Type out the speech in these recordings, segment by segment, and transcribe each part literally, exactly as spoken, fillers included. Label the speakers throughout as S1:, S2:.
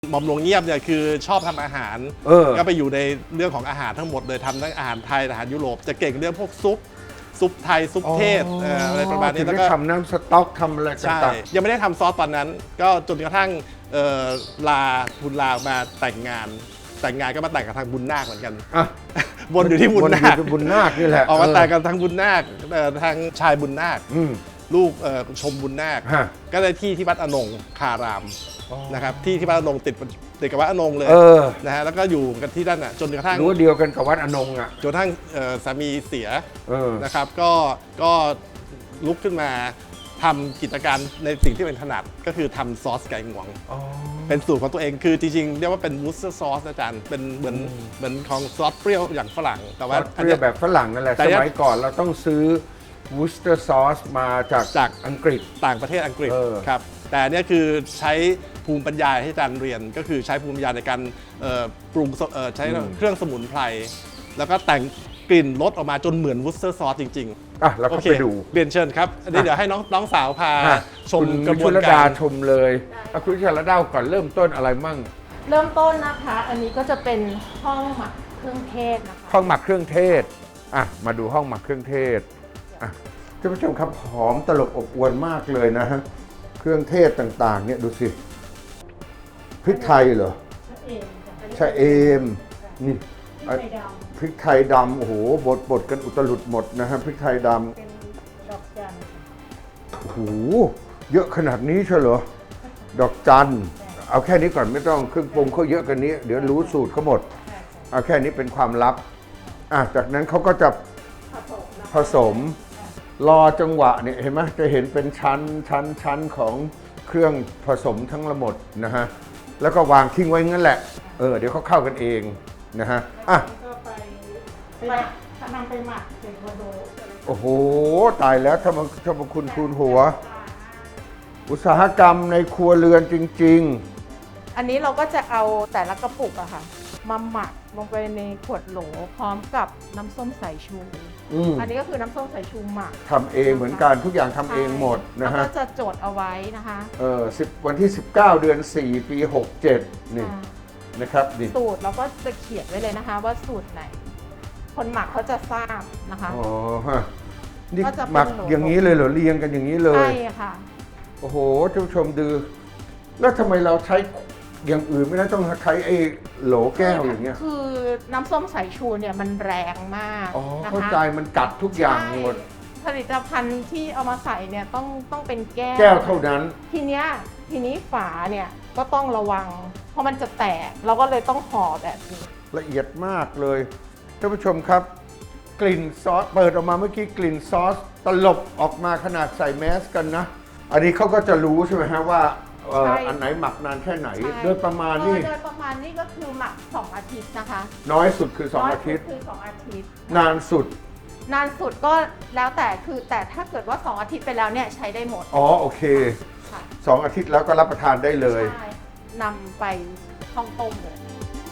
S1: หม่อมหลวงเงียบเนี่ยคือชอบทำอาหารก็ไปอยู่ในเรื่องของอาหารทั้งหมดเลยทำทั้งอาหารไทยอาหารยุโรปจะเก่งเรื่องพวกซุปซุปไทยซุปเทศอะไรประมาณนี้
S2: แล้วก็ทำน้ำสต๊อกทำอะไรต่าง
S1: ๆยังไม่ได้ทำซอสตอนนั้นก็จนกระทั่งลาคุณลามาแต่งงานแต่งงานก็มาแต่งกับทางบุญนาคเหมือนกันวนอยู่ที่บุญนาค
S2: บุญนาคนี่แหละ
S1: ออกมาแต่งกับทางบุญนาคทางชายบุญนาคลูกชมบุญนาคก็ได้ที่ที่วัดอนงคารามนะครับที่ที่วัดอนงติดติดกับวัดอนงเลยนะฮะแล้วก็อยู่กันที่นั่นอ่ะจนกระทั่ง
S2: รู้เดียวกันกับวัดอนงอ่ะ
S1: จนกระทั่งสามีเสียนะครับก็ก็ลุกขึ้นมาทำกิจการในสิ่งที่เป็นถนัดก็คือทำซอสไก่งวงเป็นสูตรของตัวเองคือจริงๆเรียกว่าเป็นวูสเตอร์ซอสอาจารย์เป็นเหมือนเหมือนของซอสเปรี้ยวอย่างฝรั่งแต่ว่า
S2: เปรี้ยวแบบฝรั่งนั่นแหละสมัยก่อนเราต้องซื้อวูสเตอร์ซอสมาจาก
S1: จาก
S2: อังกฤษ
S1: ต่างประเทศอังกฤษครับแต่เนี่ยคือใช้ภูมิปัญญาให้อาจารย์เรียนก็คือใช้ภูมิปัญญาในการปรุงใช้เครื่องสมุนไพรแล้วก็แต่งกลิ่นรสออกมาจนเหมือนวูสเตอร์ซอสจริงๆ
S2: อ่ะเราก็ไปดู
S1: เรียนเชิญครับอันนี้เดี๋ยวให้น้องน้องสาวพาชมกระบวน
S2: การชมเลยคุณชลดาก่อนเริ่มต้นอะไรมั่ง
S3: เริ่มต้นนะคะอันนี้ก็จะเป็นห้องหมักเครื่องเทศนะคะ
S2: ห้องหมักเครื่องเทศอ่ะมาดูห้องหมักเครื่องเทศอ่ะท่านผู้ชมครับหอมตลบอบอวลมากเลยนะฮะเครื่องเทศต่างๆเนี่ยดูสิพริกไทยเหรอชะเอมนี่พริกไทยดำโอ้โหบดบดกันอุตลุดหมดนะฮะพริกไทยดำเป็นดอกจันโอ้โหเยอะขนาดนี้ใช่เหรอดอกจันเอาแค่นี้ก่อนไม่ต้องเครื่องปรุงเขาเยอะกันนี้เดี๋ยวรู้สูตรเขาหมดเอาแค่นี้เป็นความลับอ่ะจากนั้นเขาก็จะผสมรอจังหวะเนี่ยเห็นไหมจะเห็นเป็นชั้นชั้นชั้นของเครื่องผสมทั้งหมดนะฮะแล้วก็วางทิ้งไว้งั้นแหละเออเดี๋ยวเขาเข้ากันเองนะฮะอ่ะ
S3: ไปนำไปหมักเสร็จมาดู
S2: โอ้โหตายแล้วถ้ามันถ้ามันคุณคูณหัวอุตสาหกรรมในครัวเรือนจริง
S3: ๆอันนี้เราก็จะเอาแต่ละกระปุกอะค่ะมาหมักลงไปในขวดโหลพร้อมกับน้ำส้มสายชูอันนี้ก็คือน้ำส้มสายชูหมัก
S2: ทำเองเหมือนกันทุกอย่างทำเองหมดนะฮะ
S3: แล้วก็จะจดเอาไว้นะคะ
S2: เออสิบวันที่สิบเก้าเดือนสี่ปีหกเจ็ดนี่นะครับนี่
S3: สูตรเราก็จะเขียนไว้เลยนะคะว่าสูตรไหนคนหมักเขาจะทราบนะคะ
S2: อ๋อฮะนี่หมักอย่างนี้เลยเหรอเรียงกันอย่างนี้เลย
S3: ใช่ค่ะ
S2: โอ้โหท่านผู้ชมดูแล้วทำไมเราใช้อย่างอื่นไม่ได้ต้องใช้ไอ้โหลแก้วอย่างเงี้ย
S3: คือน้ำส้มสายชูเนี่ยมันแรงมาก
S2: อ๋อเข้าใจมันกัดทุกอย่างหมด
S3: ผลิตภัณฑ์ที่เอามาใส่เนี่ยต้องต้องเป็นแก้ว
S2: แก้วเท่านั้น
S3: ทีเนี้ยทีนี้ฝาเนี่ยก็ต้องระวังเพราะมันจะแตกเราก็เลยต้องห่อแบบนี้
S2: ละเอียดมากเลยท่านผู้ชมครับกลิ่นซอสเปิดออกมาเมื่อกี้กลิ่นซอสตลบออกมาขนาดใส่แมสกันนะอันนี้เขาก็จะรู้ใช่ไหมฮะว่าอันไหนหมักนานแค่ไหนโดยประมาณนี่
S3: โดยประมาณนี่ก็คือหมักสองอาทิตย์นะคะ
S2: น้อยสุดคือสองอาทิตย์
S3: คือสองอาทิตย์
S2: นานสุด
S3: นานสุดก็แล้วแต่คือแต่ถ้าเกิดว่าสองอาทิตย์ไปแล้วเนี่ยใช้ได้หมด
S2: อ๋อโอเคสองอาทิตย์แล้วก็รับประทานได้เลย
S3: ใช่นำไปห้องต้มเลย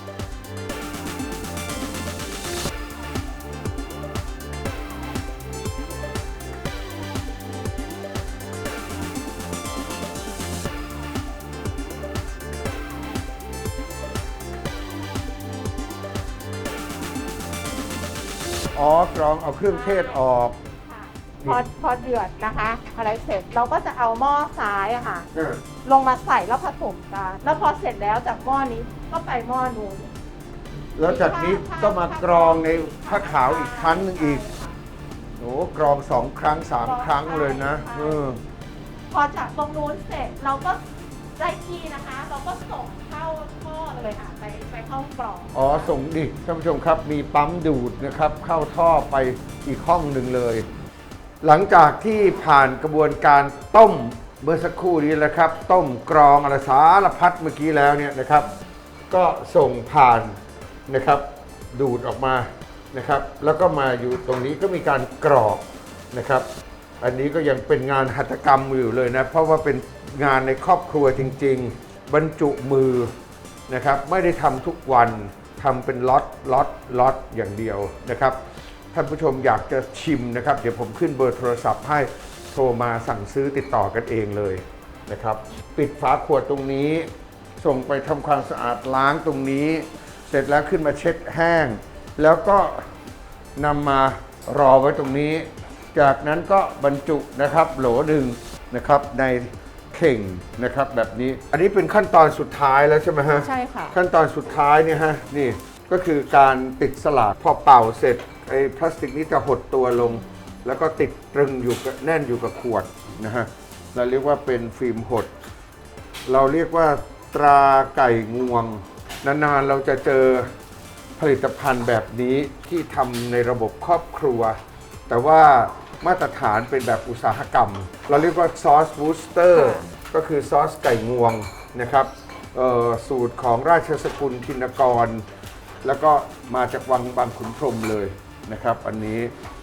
S2: อ๋อกรองเอาเครื่องเทศออก
S3: พอพอเดือดนะคะอะไรเสร็จเราก็จะเอาหม้อซ้ายอะค่ะลงมาใส่แล้วผสมกันแล้วพอเสร็จแล้วจากหม้อนี้ก็ไปหม้อนู้น
S2: แล้วจากนี้ก็มากรองในผ้าขาวอีกครั้งนึงอีกโอ้กรองสองครั้งสามครั้งเลยนะเออ
S3: พอจากตรงนู้นเสร็จเราก็ได้ที่นะคะเราก็ส่งเข้าท่อเลยค่ะไปไปเข้ากรอง
S2: อ๋อส่งดิท่านผู้ชมครับมีปั๊มดูดนะครับเข้าท่อไปอีกห้องหนึ่งเลยหลังจากที่ผ่านกระบวนการต้มเมื่อสักครู่นี้แหละครับต้มกรองอะไรสารพัดเมื่อกี้แล้วเนี่ยนะครับก็ส่งผ่านนะครับดูดออกมานะครับแล้วก็มาอยู่ตรงนี้ก็มีการกรอกนะครับอันนี้ก็ยังเป็นงานหัตถกรรมอยู่เลยนะเพราะว่าเป็นงานในครอบครัวจริงๆบรรจุมือนะครับไม่ได้ทำทุกวันทำเป็นล็อตล็อตล็อตอย่างเดียวนะครับท่านผู้ชมอยากจะชิมนะครับเดี๋ยวผมขึ้นเบอร์โทรศัพท์ให้โทรมาสั่งซื้อติดต่อกันเองเลยนะครับปิดฝาขวดตรงนี้ส่งไปทำความสะอาดล้างตรงนี้ เสร็จแล้วขึ้นมาเช็ดแห้ง แล้วก็นำมารอไว้ตรงนี้ จากนั้นก็บรรจุนะครับโหลหนึ่งนะครับในเข่งนะครับแบบนี้ อันนี้เป็นขั้นตอนสุดท้ายแล้วใช่ไหมฮะ
S3: ใช่ค่ะ
S2: ขั้นตอนสุดท้ายเนี่ยฮะนี่ก็คือการติดสลากพอเป่าเสร็จไอ้พลาสติกนี้จะหดตัวลง แล้วก็ติดตรึงอยู่กับแน่นอยู่กับขวดนะฮะเราเรียกว่าเป็นฟิล์มหด เราเรียกว่าตราไก่งวงนานๆเราจะเจอผลิตภัณฑ์แบบนี้ที่ทำในระบบครอบครัว แต่ว่ามาตรฐานเป็นแบบอุตสาหกรรม เราเรียกว่าซอสบูสเตอร์ก็คือซอสไก่งวงนะครับสูตรของราชสกุลธินกร แล้วก็มาจากวังบางขุนพรหมเลยนะครับอันนี้